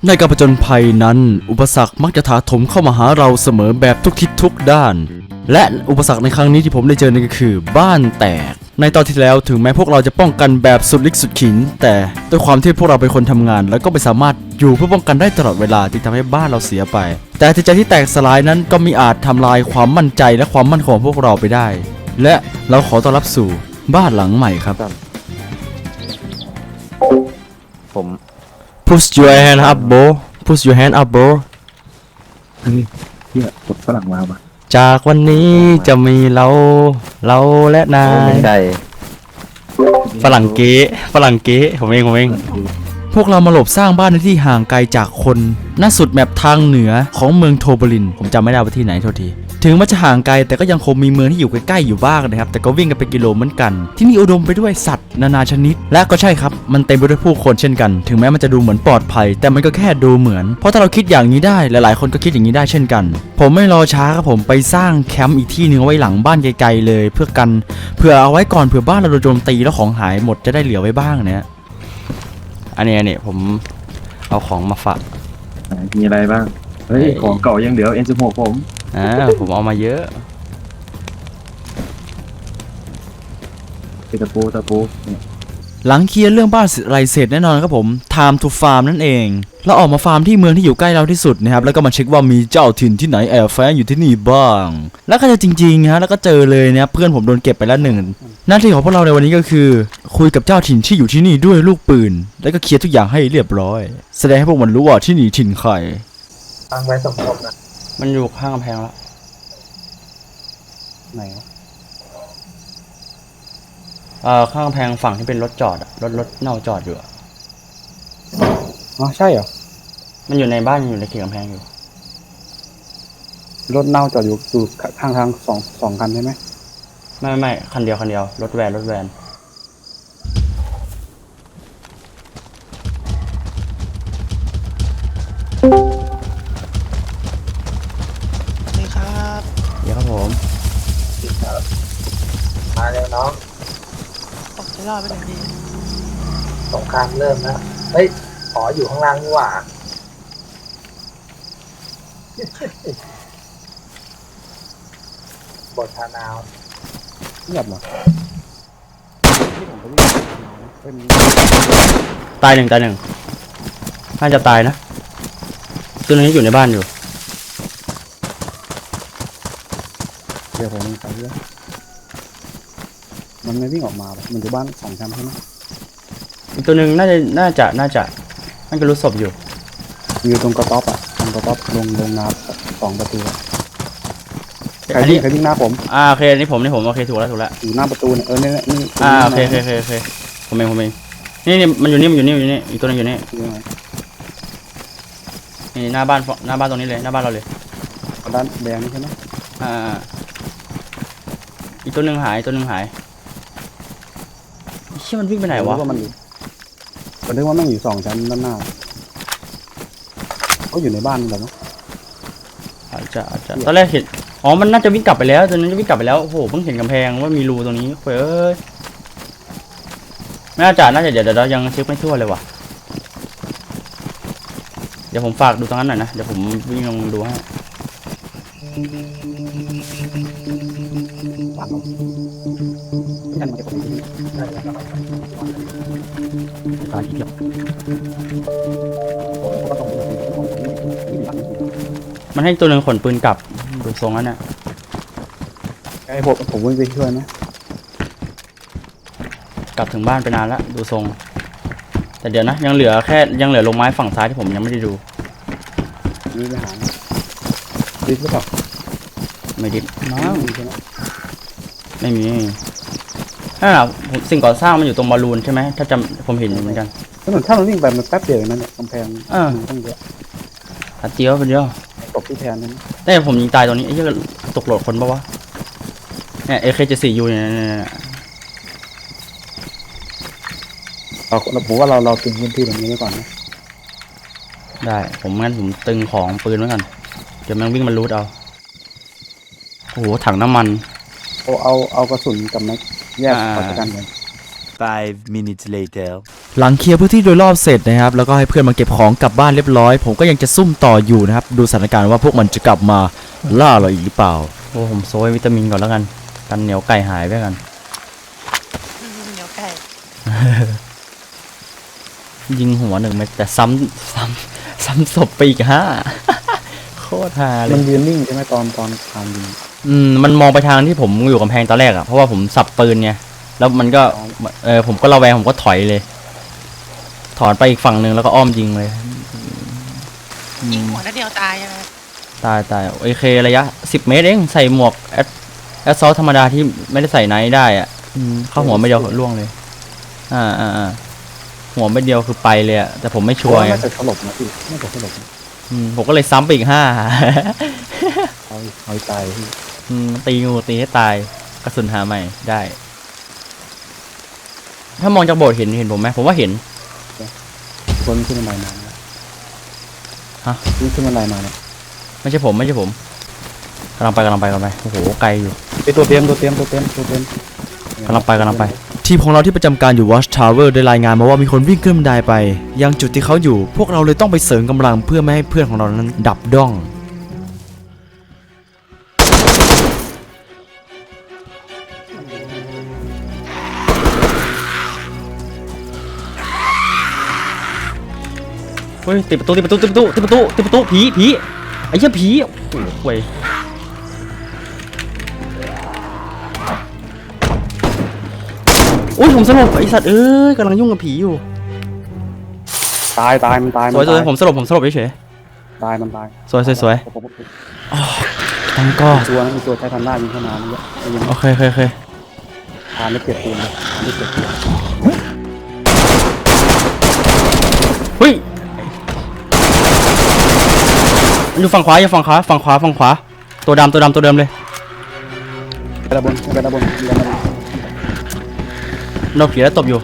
ในการผจญภัยนั้นอุปสรรคมักจะถาโถมเข้ามาหาเราเสมอแบบทุกทิศทุกด้านและอุปสรรคในครั้งนี้ที่ผมได้เจอนั่นก็คือบ้านแตกในตอนที่แล้วถึงแม้พวกเราจะป้องกันแบบสุดฤทธิ์สุดขิงแต่ด้วยความที่พวกเราเป็นคนทำงานแล้วก็ไม่สามารถอยู่เพื่อป้องกันได้ตลอดเวลาจึงทำให้บ้านเราเสียไปแต่จิตใจที่แตกสลายนั้นก็มีอาจทำลายความมั่นใจและความมั่นคงของพวกเราไปได้และเราขอต้อนรับสู่บ้านหลังใหม่ครับผม Push your hand up bro Push your hand up bro เฮียกดฝรั่งมาปะจากวันนี้จะมีเราและนายไม่ใช่ฝรั่งเก๊ผมเองพวกเรามาหลบสร้างบ้านในที่ห่างไกลจากคนณสุดแมปทางเหนือของเมืองโทโบลินผมจำไม่ได้ว่าที่ไหนโทษทีถึงมันจะห่างไกลแต่ก็ยังคงมีเมืองที่อยู่ใกล้ๆอยู่บ้างนะครับแต่ก็วิ่งกันเป็นกิโลเหมือนกันที่นี่อุดมไปด้วยสัตว์นานาชนิดและก็ใช่ครับมันเต็มไปด้วยผู้คนเช่นกันถึงแม้มันจะดูเหมือนปลอดภัยแต่มันก็แค่ดูเหมือนเพราะถ้าเราคิดอย่างนี้ได้หลายๆคนก็คิดอย่างนี้ได้เช่นกันผมไม่รอช้าครับผมไปสร้างแคมป์อีกที่นึงเอาไว้หลังบ้านไกลๆเลยเพื่อเอาไว้ก่อนเผื่อบ้านเราโดนโจมตีแล้วของหายหมดจะได้เหลือไว้บ้างเนี่ยอันนี้ผมเอาของมาฝากมีอะไรบ้าง เฮ้ย ของเก่ายังเหลือ N16 ผมผมเอามาเยอะเป็นตะปูเนี่ยหลังเคลียร์เรื่องบ้านไรเสร็จแน่นอนครับผม time to farm นั่นเองเราออกมาฟาร์มที่เมืองที่อยู่ใกล้เราที่สุดนะครับแล้วก็มาเช็คว่ามีเจ้าถิ่นที่ไหนแอบแฝงอยู่ที่นี่บ้างแล้วก็เจอจริงๆฮะแล้วก็เจอเลยนะครับเพื่อนผมโดนเก็บไปแล้วหนึ่งหน้าที่ของพวกเราในวันนี้ก็คือคุยกับเจ้าถิ่นที่อยู่ที่นี่ด้วยลูกปืนแล้วก็เคลียร์ทุกอย่างให้เรียบร้อยแสดงให้พวกมันรู้ว่าที่นี่ถิ่นใครตั้งไว้สมทบนะมันอยู่ข้างกำแพงแล้วไหนวะข้างกำแพงฝั่งที่เป็นรถจอดอะรถเน่าจอดอยู่อะอ๋อใช่เหรอมันอยู่ในบ้านอยู่ในเขตกำแพงอยู่รถเน่าจอดอยู่ข้างทางสองคันใช่ไหมไม่คันเดียวรถแวนนี่ครับเดี๋ยวครับผมมาแล้วน้องออกจะรอดไปหนึ่งทีสงครามเริ่มแล้วเฮ้ยขออยู่ข้างล่างนี่หว่าบททานาวเงียบเหรอที่ผมไปวิ่งเป็นตายหนึ่งน่าจะตายนะตัวนี้อยู่ในบ้านอยู่เดี๋ยวผมไปเรื่อยมันไม่วิ่งออกมาปะมันอยู่บ้านสองชั้นใช่ไหมอีกตัวหนึ่งน่าจะนั่นก็รู้ศพอยู่อยู่ตรงกระต๊อบอ่ะตรงกระต๊อบลงน้ำ2 ประตูอะใครอันวิ่นี้งใครวิ่งหน้าผมโอเคนี่ผมโอเคถูกแล้วอยู่หน้าประตูเนี่ยนี่โอเคผมเองนี่มันอยู่นี่อีกตัวนึงอยู่นี่ยังไงนี่หน้าบ้านตรงนี้เลยหน้าบ้านเราเลยด้านแดงนี่ใช่ไหมอีกตัวหนึ่งหายเชี่ยมันวิ่งไปไหนวะผมนึกว่ามันอยู่2 ชั้นด้านหน้าเขาอยู่ในบ้านแบบนั้นอาจจะตอนแรกเห็นมันน่าจะวิ่งกลับไปแล้วตัวนั้นจะวิ่งกลับไปแล้วโอ้โหเพิ่งเห็นกำแพงว่ามีรูตรงนี้เฮ้ยน่าจะเดี๋ยวยังเช็คไม่ทั่วเลยว่ะเดี๋ยวผมฝากดูตรงนั้นหน่อยนะเดี๋ยวผมวิ่งลงดูให้ตายทีเดียวมันให้ตัวหนึ่งขนปืนกลับดูทรงนั้นน่ะไอ้ผมวิ่งไปช่วยไหมกลับถึงบ้านไปนานแล้วดูทรงแต่เดี๋ยวนะยังเหลือลงไม้ฝั่งซ้ายที่ผมยังไม่ได้ดูวิ่งไปหาดิสหรือเปล่าไม่ดิบน้มีใช่ไหมไม่มีนั่นแหละสิ่งก่อสร้างมันอยู่ตรงบอลลูนใช่ไหมถ้าจำผมเห็นเหมือนกันถ้ามันวิ่งไปมันแป๊บเดียวนั่นเนี่ยกำแพงต้องเยอะตัดเจียวไปเดียวตกที่แทนนั่นแต่ผมยิงตายตรงนี้ไอ้เหี้ยตกโหลดคนปะวะเนี่ย AK74U เนี่ยผมว่าเราตึงพื้นที่ตรงนี้ไว้ก่อนนะได้ผมตึงของปืนไว้ก่อนเดี๋ยวมันวิ่งมันรูดเอาโอ้โหถังน้ำมันเอากระสุนกับแม็กแยกออกจากกันเลย 5 minutes later หลังเคลียร์พื้นที่โดยรอบเสร็จนะครับแล้วก็ให้เพื่อนมาเก็บของกลับบ้านเรียบร้อยผมก็ยังจะซุ่มต่ออยู่นะครับดูสถานการณ์ว่าพวกมันจะกลับมาล่าเราอีกหรือเปล่าโอ้ผมโซยวิตามินก่อนแล้วกันเหนียวไก่หายไปกันเหนียวไก่ยิงหัว1 เม็ดแต่ซ้ำศพไปอีก5 โคตรฮาเลมันยยืนนิ่งใช่ไหมตอนทางยิงมันมองไปทางที่ผมอยู่กำแพงตอนแรกอะเพราะว่าผมสับปืนไงแล้วมันก็ผมก็ระแวงผมก็ถอยเลย ถอนไปอีกฝั่งหนึ่งแล้วก็อ้อมยิงเลยยิงหัวนัดเดียวตายใช่ไหมตายโอเคระยะ10 เมตรเองใส่หมวกแอดซอลธรรมดาที่ไม่ได้ใส่ไนท์ได้อะเข้าหัวไม่เดียวล่วงเลยหัวไม่เดียวคือไปเลยอะแต่ผมไม่ชัวร์ไงน่าจะสลบนะพี่น่าจะสลบนะผมก็เลยซ้ำไปอีก5 เอาตายพี่ตีงูตีให้ตายกระสุนหาใหม่ได้ ถ้ามองจากโบสถ์เห็นผมไหมผมว่าเห็นคนขึ้นบันไดมานะฮะขึ้นบันไดมาเนี่ยไม่ใช่ผมกำลังไปโอ้โหไกลอยู่ไอตัวเตรียมกำลังไปทีมของเราที่ประจำการอยู่ Watch Tower ได้รายงานมาว่ามีคนวิ่งขึ้นบันไดไปยังจุดที่เขาอยู่พวกเราเลยต้องไปเสริมกำลังเพื่อไม่ให้เพื่อนของเรานั้นดับด้องเฮ้ยติดประตูผีไอ้เหี้ยผีโอ้โหเว้ยอุ้ยผมสลบไอสัตว์กำลังยุ่งกับผีอยู่ตายมันตายสวยผมสลบเฉยตายมันตายสวยทั้งก็มีตัวใช้ทันหน้ายิงเข้ามามันเยอะยังโอเคทานไม่เก็บปืนเลยทานไม่เก็บปืนเฮ้ยอยู่ฝั่งขวาตัวดำตัวเดิมเลยไปด้านบนโดนผีแล้วตบอยู่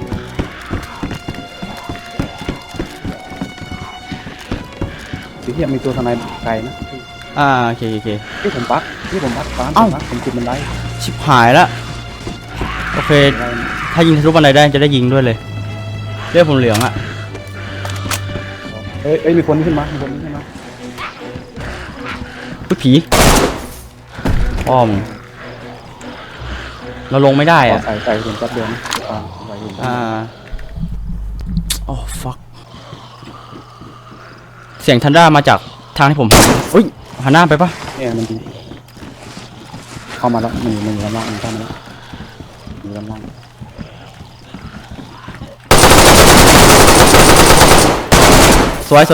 ที่ที่มีตัวทนายไกลนะโอเคที่ผมปักฟ้าเอ้าผมจุดมันได้ชิบหายละโอเคถ้ายิงทะลุบันไดได้จะได้ยิงด้วยเลยเลือดผมเหลืองอะเอ้ยมีคนขึ้นมาอุ๊ยผีอ้อมเราลงไม่ได้อะใส่เห็นแป๊บเดียวนะใส่เห็นโอ้ fuck เสียงทันด้ามาจากทางที่ผมอุ้ยหันหน้าไปปะเนี่ยมันดีเข้ามาแล้วมันอยู่ด้านล่างมันเข้ามาแล้วอยู่ด้านล่างสวยตาย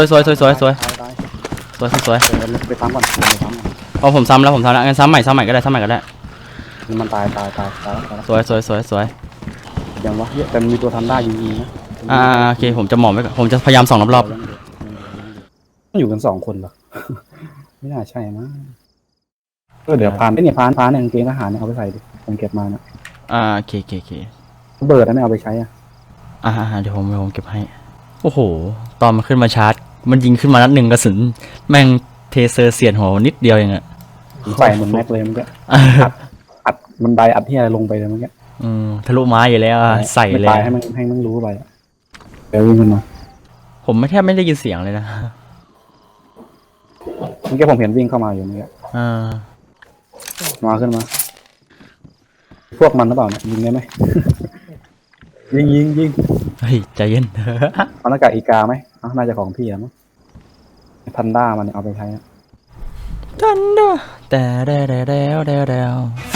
ไปซ้ำก่อนเอาผมซ้ำแล้วงั้นซ้ำใหม่ก็ได้มันตายสวยยังวะเยอะแต่มีตัวทันได้ยิงนะโอเคผมจะหมอบไว้ก่อนผมจะพยายามส่องรอบอยู่กัน2 คนเหรอ ไม่น่าใช่นะเดี๋ยวพานเนี่ยกางเกงทหารเนี่ยเอาไปใส่ดิผมเก็บมานะโอเคเบิร์ดไม่เอาไปใช้อ่ะเดี๋ยวผมเก็บให้โอ้โหตอนมันขึ้นมาชาร์จมันยิงขึ้นมานัด1 กระสุนแม่งเทเซอร์เสียดหัวนิดเดียวเองอะใส่เหมือนแม็กเลยมันก็อัดมันไดอัดที่อะไรลงไปเลยมันก็ทะลุไม้อยู่แล้วใส่เลยตายให้มันรู้ไปเดี๋ยววิ่งมันมาผมแทบไม่ได้ยินเสียงเลยนะเมื่อกี้ผมเห็นวิ่งเข้ามาอยู่เมื่อกี้ มาขึ้นมา พวกมันหรือเปล่าเนี่ยยิงได้ไหม ยิงเฮ้ยใจเย็นเอาหน้ากากอีกาไหมน่าจะของพี่อะมั้งพันด้ามันเอาไปใช้ทันด้าแต่